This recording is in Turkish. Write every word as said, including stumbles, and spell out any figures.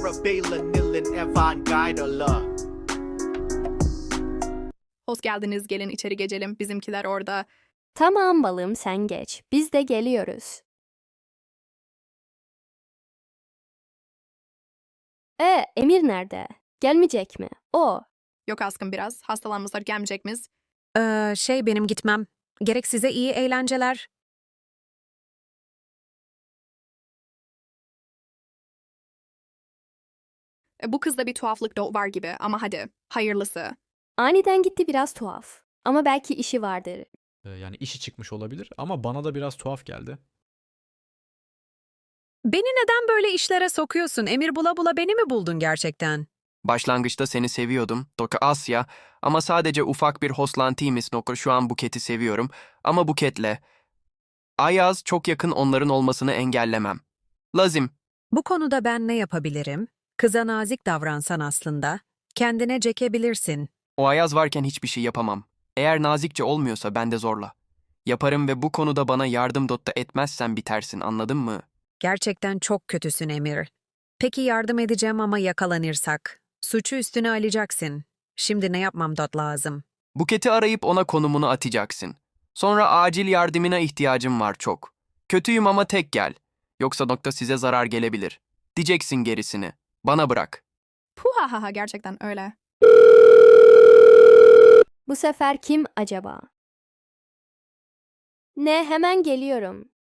Parabellum, Nilin, Evan, Guidala. Hoş geldiniz, gelin içeri geçelim. Bizimkiler orada. Tamam balım sen geç. Biz de geliyoruz. E Emir nerede? Gelmeyecek mi? O. Yok askın biraz. Hastalanmışlar, gelmeyecek miyiz? Ee, şey benim gitmem. Gerek size iyi eğlenceler. E, bu kızda bir tuhaflık da var gibi ama hadi. Hayırlısı. Aniden gitti biraz tuhaf. Ama belki işi vardır. Ee, Yani işi çıkmış olabilir ama bana da biraz tuhaf geldi. Beni neden böyle işlere sokuyorsun? Emir bula bula beni mi buldun gerçekten? Başlangıçta seni seviyordum, Doka Asya, ama sadece ufak bir hoslantiymiş Nokor şu an Buket'i seviyorum ama Buket'le. Ayaz çok yakın onların olmasını engellemem. Lazım. Bu konuda ben ne yapabilirim? Kıza nazik davransan aslında. Kendine çekebilirsin. O Ayaz varken hiçbir şey yapamam. Eğer nazikçe olmuyorsa ben de zorla. Yaparım ve bu konuda bana yardım dotta etmezsen bitersin, anladın mı? Gerçekten çok kötüsün Emir. Peki yardım edeceğim ama yakalanırsak? Suçu üstüne alacaksın. Şimdi ne yapmam dot lazım? Buket'i arayıp ona konumunu atacaksın. Sonra acil yardımına ihtiyacım var çok. Kötüyüm ama tek gel. Yoksa nokta size zarar gelebilir. Diyeceksin gerisini. Bana bırak. Puhahaha gerçekten öyle. Bu sefer kim acaba? Ne hemen geliyorum.